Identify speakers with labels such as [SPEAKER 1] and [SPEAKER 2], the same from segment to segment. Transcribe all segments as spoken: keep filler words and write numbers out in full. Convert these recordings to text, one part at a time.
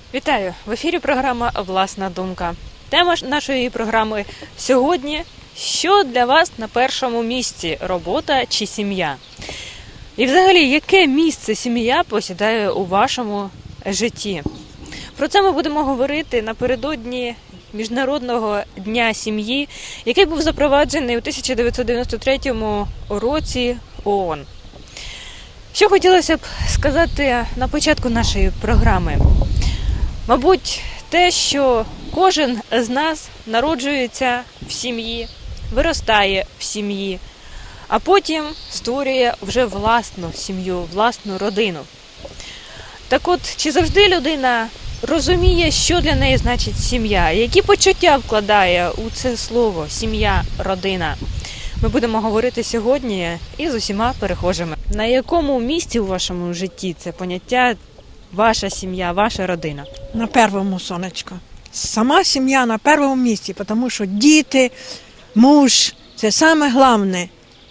[SPEAKER 1] Вітаю! В ефірі програма «Власна думка». Тема нашої програми сьогодні – що для вас на першому місці – робота чи сім'я? І взагалі, яке місце сім'я посідає у вашому житті? Про це ми будемо говорити напередодні Міжнародного дня сім'ї, який був запроваджений у тисяча дев'ятсот дев'яносто третьому році ООН. Що хотілося б сказати на початку нашої програми? Мабуть, те, що кожен з нас народжується в сім'ї, виростає в сім'ї, а потім створює вже власну сім'ю, власну родину. Так от, чи завжди людина розуміє, що для неї значить сім'я, які почуття вкладає у це слово «сім'я», «родина»? Ми будемо говорити сьогодні із усіма перехожими. На якому місці у вашому житті це поняття ваша сім'я, ваша родина?
[SPEAKER 2] На першому, сонечко. Сама сім'я на першому місці, тому що діти, муж – це саме головне.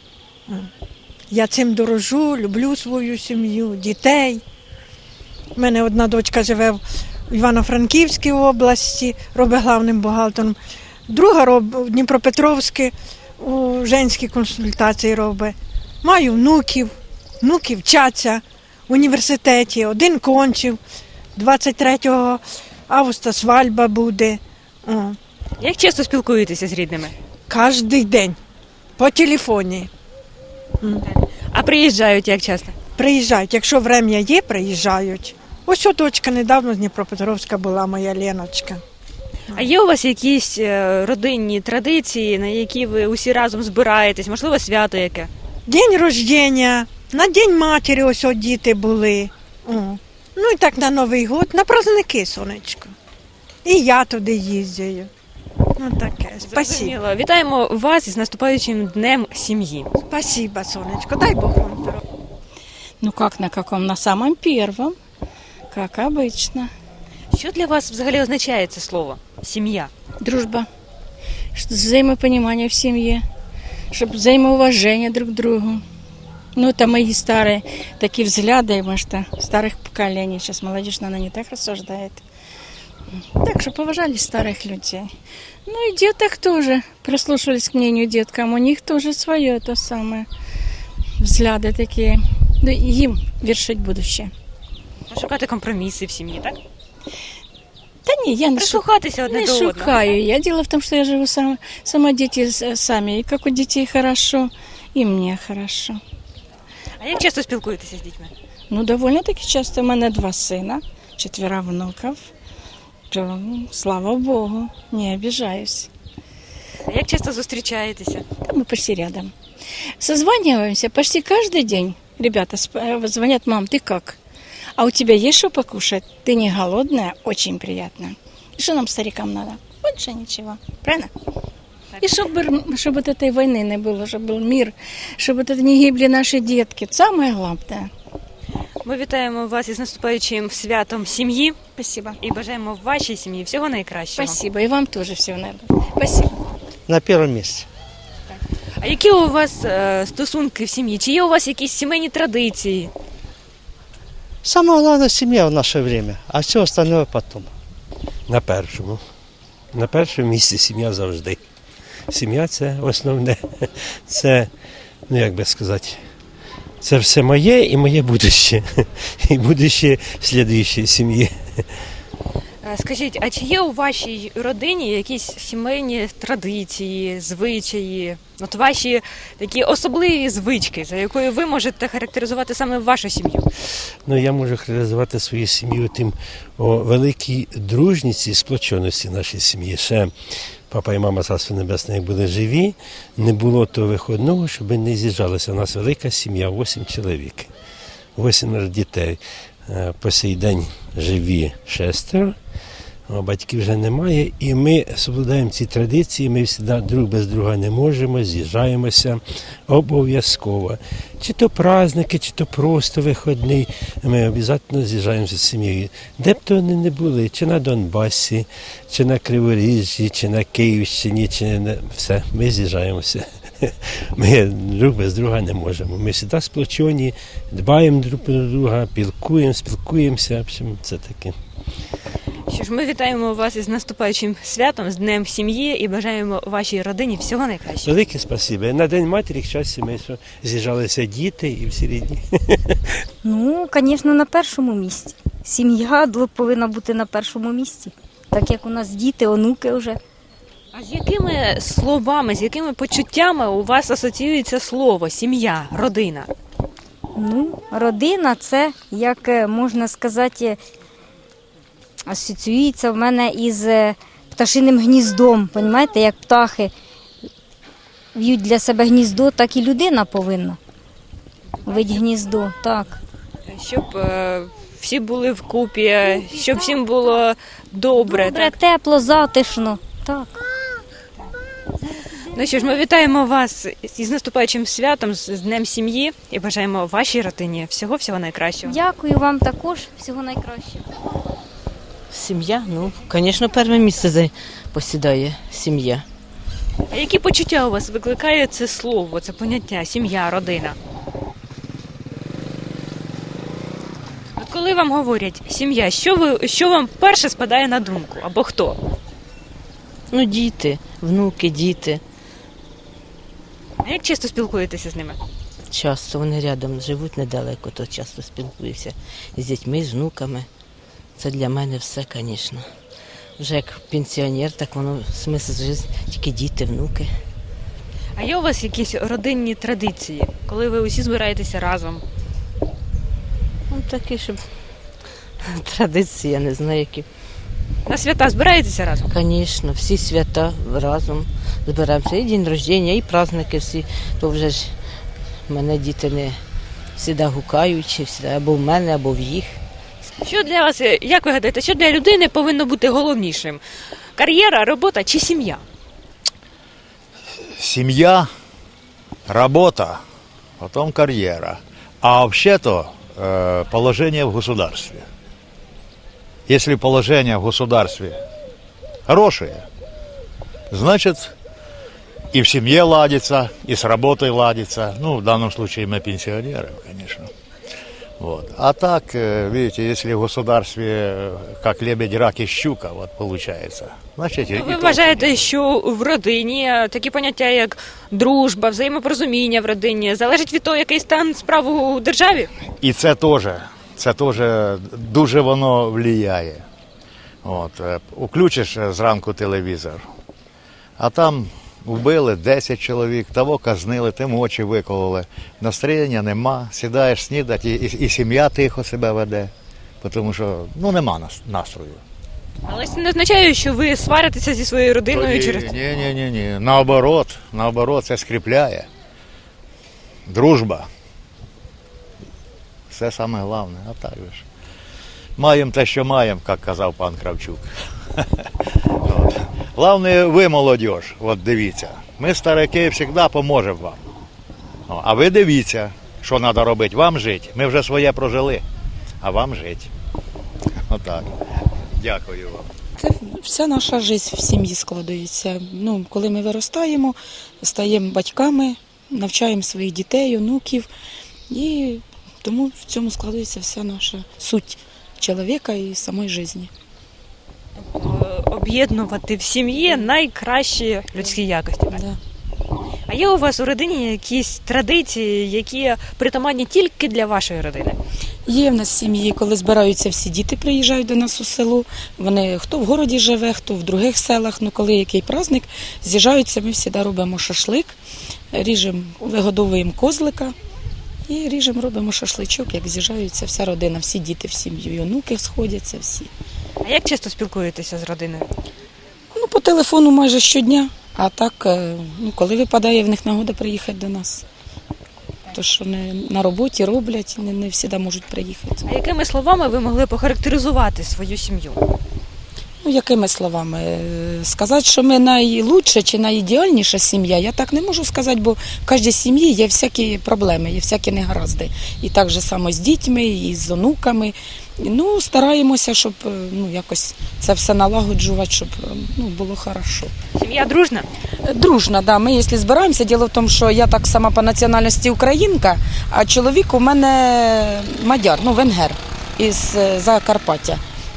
[SPEAKER 2] Я цим дорожу, люблю свою сім'ю, дітей. У мене одна дочка живе в Івано-Франківській області, робить главним бухгалтером. Друга робить в Дніпропетровській, у женській консультації робить. Маю внуків, внуки вчаться в університеті, один кончив, двадцять третього августа свадьба буде. О.
[SPEAKER 1] Як часто спілкуєтеся з рідними?
[SPEAKER 2] Кожний день, по телефоні.
[SPEAKER 1] А приїжджають як часто?
[SPEAKER 2] Приїжджають, якщо врем'я є, приїжджають. Ось о, дочка недавно з Дніпропетровська була, моя Леночка.
[SPEAKER 1] А є у вас якісь е, родинні традиції, на які ви усі разом збираєтесь, можливо, свято яке?
[SPEAKER 2] День рождення, на День матері ось от діти були. О. Ну і так на Новий год, на праздники, сонечко. І я туди їздю. Ну таке, спасибо.
[SPEAKER 1] Зрозуміло. Вітаємо вас із наступаючим Днем сім'ї.
[SPEAKER 2] Спасибо, сонечко, дай Бог вам здоров'я.
[SPEAKER 3] Ну как на каком? На самом первом, как обычно.
[SPEAKER 1] Що для вас взагалі означає це слово «сім'я»?
[SPEAKER 3] Дружба, что взаимопонимание в семье, чтобы взаимоуважение друг к другу. Ну, это мои старые такие взгляды, может, старых поколений. Сейчас молодежь, наверное, не так рассуждает. Так, чтобы уважали старых людей. Ну и деток тоже, прислушивались к мнению деткам. У них тоже свое то самое. Взгляды такие. Ну, им вершить будущее.
[SPEAKER 1] Шукати компроміси в сім'ї, так?
[SPEAKER 3] Да не, я не, шу...
[SPEAKER 1] Прислухатися одне
[SPEAKER 3] не
[SPEAKER 1] до одного.
[SPEAKER 3] шукаю. Я дело в том, что я живу сама, сама дети с- сами. И как у детей хорошо, и мне хорошо.
[SPEAKER 1] А як часто спілкуєтеся з дітьми?
[SPEAKER 3] Ну, довольно-таки часто. У мене два сина, четверо внуков. То, слава Богу, не обижаюсь.
[SPEAKER 1] А як часто зустрічаєтеся?
[SPEAKER 3] Да мы почти рядом. Созваниваемся почти каждый день. Ребята сп- звонят: мам, ты как? А у тебя есть что покушать? Ты не голодная? Очень приятно. И что нам, старикам, надо? Больше ничего. Правильно? И чтобы, чтобы вот этой войны не было, чтобы был мир, чтобы вот это не гибли наши детки. Самое главное.
[SPEAKER 1] Ми вітаємо вас із наступаючим святом сім'ї
[SPEAKER 3] Спасибо.
[SPEAKER 1] і бажаємо вашій сім'ї всього найкращого.
[SPEAKER 3] Спасибо. И вам тоже всего наилучшего. Спасибо.
[SPEAKER 4] На первом месте.
[SPEAKER 1] А які у вас е, стосунки в сім'ї? Чи є у вас якісь сімейні традиції?
[SPEAKER 4] Самое главное – семья в наше время, а все остальное потом.
[SPEAKER 5] На першому. На першому місці сім'я завжди. Сім'я – це основне. Це, ну як би сказати, це все моє і моє будуще. І будуще слідуючої сім'ї.
[SPEAKER 1] Е, Скажіть, а чи є у вашій родині якісь сімейні традиції, звичаї, от ваші такі особливі звички, за якою ви можете характеризувати саме вашу сім'ю?
[SPEAKER 5] Ну, я можу характеризувати свою сім'ю тим о великій дружніці і сплоченості нашої сім'ї. Ще папа і мама, царство небесне, як були живі, не було того виходного, щоб не з'їжджалися. У нас велика сім'я, вісім чоловік, вісім дітей. Е, По сей день живі шестеро, а батьків вже немає, і ми соблюдаємо ці традиції, ми завжди друг без друга не можемо, з'їжджаємося обов'язково. Чи то праздники, чи то просто вихідний, ми обов'язково з'їжджаємося з сім'єю. Де б то вони не були, чи на Донбасі, чи на Криворіжжі, чи на Київщині, чи на... все, ми з'їжджаємося. Ми друг без друга не можемо. Ми завжди сплочені, дбаємо друг про друга, пілкуємо, спілкуємося, в общем, це таке.
[SPEAKER 1] Що ж, ми вітаємо вас із наступаючим святом, з Днем сім'ї і бажаємо вашій родині всього найкращого.
[SPEAKER 5] Велике спасибі. На День матері, щастя, ми що з'їжджалися діти і всі рідні.
[SPEAKER 6] Ну, звісно, на першому місці. Сім'я повинна бути на першому місці. Так як у нас діти, онуки вже.
[SPEAKER 1] А з якими словами, з якими почуттями у вас асоціюється слово сім'я, родина?
[SPEAKER 6] Ну, родина це, як е, можна сказати, асоціюється в мене із е, пташиним гніздом. Понімаєте, як птахи в'ють для себе гніздо, так і людина повинна вити гніздо. Так.
[SPEAKER 1] Щоб е, всі були вкупі, щоб всім було добре.
[SPEAKER 6] Добре,
[SPEAKER 1] Так?
[SPEAKER 6] тепло, затишно. Так.
[SPEAKER 1] Ну що ж, ми вітаємо вас із наступаючим святом, з з Днем сім'ї і бажаємо вашій родині всього-всього найкращого.
[SPEAKER 6] Дякую вам також. Всього найкращого.
[SPEAKER 7] Сім'я, ну, звісно, перше місце за- посідає сім'я.
[SPEAKER 1] А які почуття у вас викликає це слово, це поняття сім'я, родина? От коли вам говорять сім'я, що ви що вам перше спадає на думку або хто?
[SPEAKER 7] Ну, діти, внуки, діти.
[SPEAKER 1] А як часто спілкуєтеся з ними?
[SPEAKER 7] Часто вони рядом живуть недалеко, то часто спілкуюся з дітьми, з внуками. Це для мене все, звісно. Вже як пенсіонер, так воно смисл життя, тільки діти, внуки.
[SPEAKER 1] А є у вас якісь родинні традиції, коли ви усі збираєтеся разом?
[SPEAKER 7] Ну, такі, щоб традиції, я не знаю, які.
[SPEAKER 1] На свята збираєтеся разом?
[SPEAKER 7] Звісно, всі свята разом збираємося. І день рождення, і праздники всі. То вже ж мене діти не завжди гукають, чи завжди або в мене, або в їх.
[SPEAKER 1] Що для вас, як ви гадаєте, що для людини повинно бути головнішим? Кар'єра, робота чи сім'я?
[SPEAKER 8] Семья, работа, потом карьера. А вообще-то э, положение в государстве. Если положение в государстве хорошее, значит и в семье ладится, и с работой ладится. Ну, в данном случае мы пенсионеры, конечно. Вот. А так, э, видите, если в государстве э, как лебедь, рак и щука, вот получается. Значит, и- и
[SPEAKER 1] Ви
[SPEAKER 8] толку
[SPEAKER 1] вважаєте, що в родині такі поняття, як дружба, взаємопорозуміння в родині, залежить від того, який стан справ у державі?
[SPEAKER 8] І це теж, це теж дуже воно впливає. От, е, включиш е, зранку телевізор, а там вбили десять чоловік, того казнили, тим очі викололи. Настроєння нема, сідаєш снідати, і, і, і сім'я тихо себе веде, тому що ну, нема нас- настрою.
[SPEAKER 1] Але це не означає, що ви сваритеся зі своєю родиною
[SPEAKER 8] Ні,
[SPEAKER 1] через
[SPEAKER 8] ні, ні, ні, ні. Наоборот, наоборот, це скріпляє. Дружба. Все саме головне, а так же ж. Маємо те, що маємо, як казав пан Кравчук. От. Головне, ви, молодіж, от дивіться. Ми, старики, завжди поможемо вам. О, а ви дивіться, що треба робити. Вам жити. Ми вже своє прожили, а вам жити. Отак. Дякую вам.
[SPEAKER 9] Це вся наша життя в сім'ї складається. Ну, коли ми виростаємо, стаємо батьками, навчаємо своїх дітей, онуків. І тому в цьому складається вся наша суть чоловіка і самої життя.
[SPEAKER 1] е, об'єднувати в сім'ї найкращі людські якості.
[SPEAKER 9] Да.
[SPEAKER 1] А є у вас у родині якісь традиції, які притаманні тільки для вашої родини?
[SPEAKER 9] Є в нас сім'ї, коли збираються всі діти, приїжджають до нас у село. Вони хто в городі живе, хто в других селах. Ну, коли який праздник, з'їжджаються, ми завжди робимо шашлик, ріжемо, вигодовуємо козлика і ріжемо, робимо шашличок, як з'їжджаються вся родина, всі діти в сім'ю, і онуки сходяться всі.
[SPEAKER 1] А як часто спілкуєтеся з родиною?
[SPEAKER 9] Ну, по телефону майже щодня, а так, е, ну, коли випадає в них нагода приїхати до нас. То, що не на роботі роблять, не, не завжди можуть приїхати.
[SPEAKER 1] А якими словами ви могли б охарактеризувати свою сім'ю?
[SPEAKER 9] Ну, якими словами? Е, Сказати, що ми найлучша чи найідеальніша сім'я, я так не можу сказати, бо в кожній сім'ї є всякі проблеми, є всякі негаразди. І так же само з дітьми, і з онуками. Ну, стараємося, щоб е, ну, якось це все налагоджувати, щоб е, ну, було хорошо.
[SPEAKER 1] Сім'я дружна?
[SPEAKER 9] Дружна, да. Ми, якщо збираємося, діло в тому, що я так сама по національності українка, а чоловік у мене мадяр, ну, венгер із е, Закарпаття.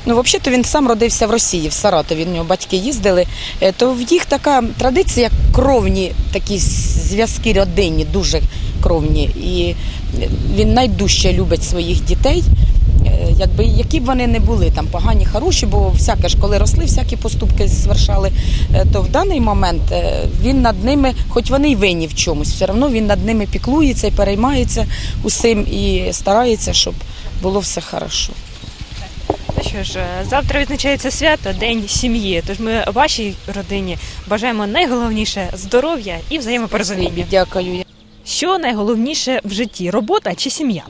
[SPEAKER 9] Ну, взагалі-то він сам родився в Росії, в Саратові, в нього батьки їздили, Е, то в їх така традиція, як кровні такі зв'язки родинні, дуже кровні. І він найдужче любить своїх дітей, Е, якби, які б вони не були, там погані, хороші, бо всяке ж, коли росли, всякі поступки звершали, Е, то в даний момент е, він над ними, хоч вони й винні в чомусь, все одно він над ними піклується і переймається усім і старається, щоб було все хорошо.
[SPEAKER 1] Ну що ж, завтра відзначається свято, День сім'ї. Тож ми вашій родині бажаємо найголовніше здоров'я і взаємопорозуміння.
[SPEAKER 9] Дякую.
[SPEAKER 1] Що найголовніше в житті? Робота чи сім'я?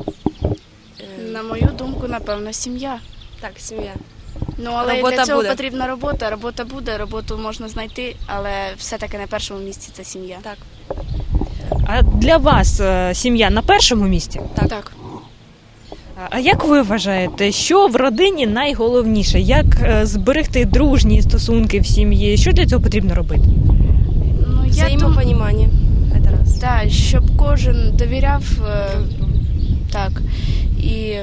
[SPEAKER 10] На мою думку, напевно, сім'я.
[SPEAKER 11] Так, сім'я.
[SPEAKER 10] Ну, але
[SPEAKER 11] Робота
[SPEAKER 10] для цього
[SPEAKER 11] буде.
[SPEAKER 10] потрібна робота. Робота буде, роботу можна знайти, але все-таки на першому місці це сім'я.
[SPEAKER 11] Так.
[SPEAKER 1] А для вас е, сім'я на першому місці?
[SPEAKER 10] Так. так.
[SPEAKER 1] А- А як ви вважаєте, що в родині найголовніше? Як е, зберегти дружні стосунки в сім'ї? Що для цього потрібно робити?
[SPEAKER 10] Ну, я думаю,
[SPEAKER 11] Взаємопонімання. Це раз.
[SPEAKER 10] так, щоб кожен довіряв, е, так, і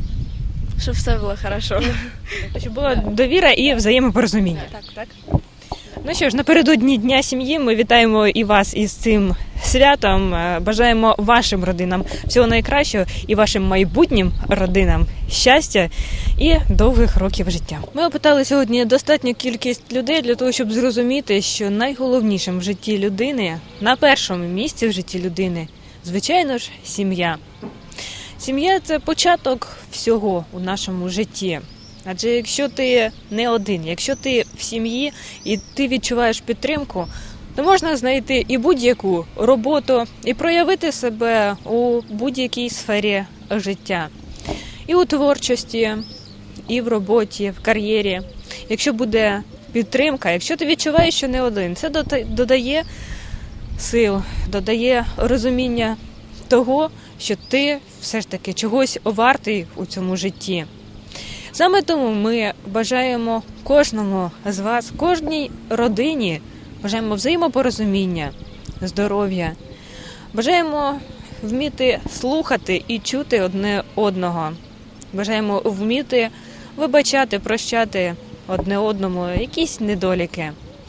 [SPEAKER 10] щоб все було хорошо.
[SPEAKER 1] Щоб була довіра і взаємопорозуміння.
[SPEAKER 11] Так, так.
[SPEAKER 1] Ну що ж, напередодні Дня сім'ї ми вітаємо і вас із цим святом. Е, Бажаємо вашим родинам всього найкращого і вашим майбутнім родинам щастя і довгих років життя. Ми опитали сьогодні достатню кількість людей для того, щоб зрозуміти, що найголовнішим в житті людини, на першому місці в житті людини, звичайно ж, сім'я. Сім'я – це початок всього у нашому житті. Адже якщо ти не один, якщо ти в сім'ї і ти відчуваєш підтримку, то можна знайти і будь-яку роботу, і проявити себе у будь-якій сфері життя. І у творчості, і в роботі, в кар'єрі. Якщо буде підтримка, якщо ти відчуваєш, що не один, це дода- додає сил, додає розуміння того, що ти все ж таки чогось вартий у цьому житті. Саме тому ми бажаємо кожному з вас, кожній родині, бажаємо взаємопорозуміння, здоров'я, бажаємо вміти слухати і чути одне одного, бажаємо вміти вибачати, прощати одне одному якісь недоліки.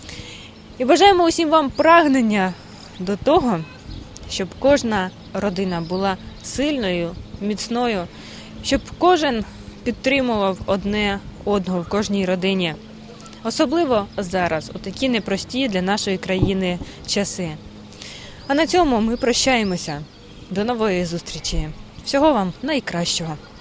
[SPEAKER 1] І бажаємо усім вам прагнення до того, щоб кожна родина була сильною, міцною, щоб кожен підтримував одне одного в кожній родині. Особливо зараз, у такі непрості для нашої країни часи. А на цьому ми прощаємося. До нової зустрічі. Всього вам найкращого.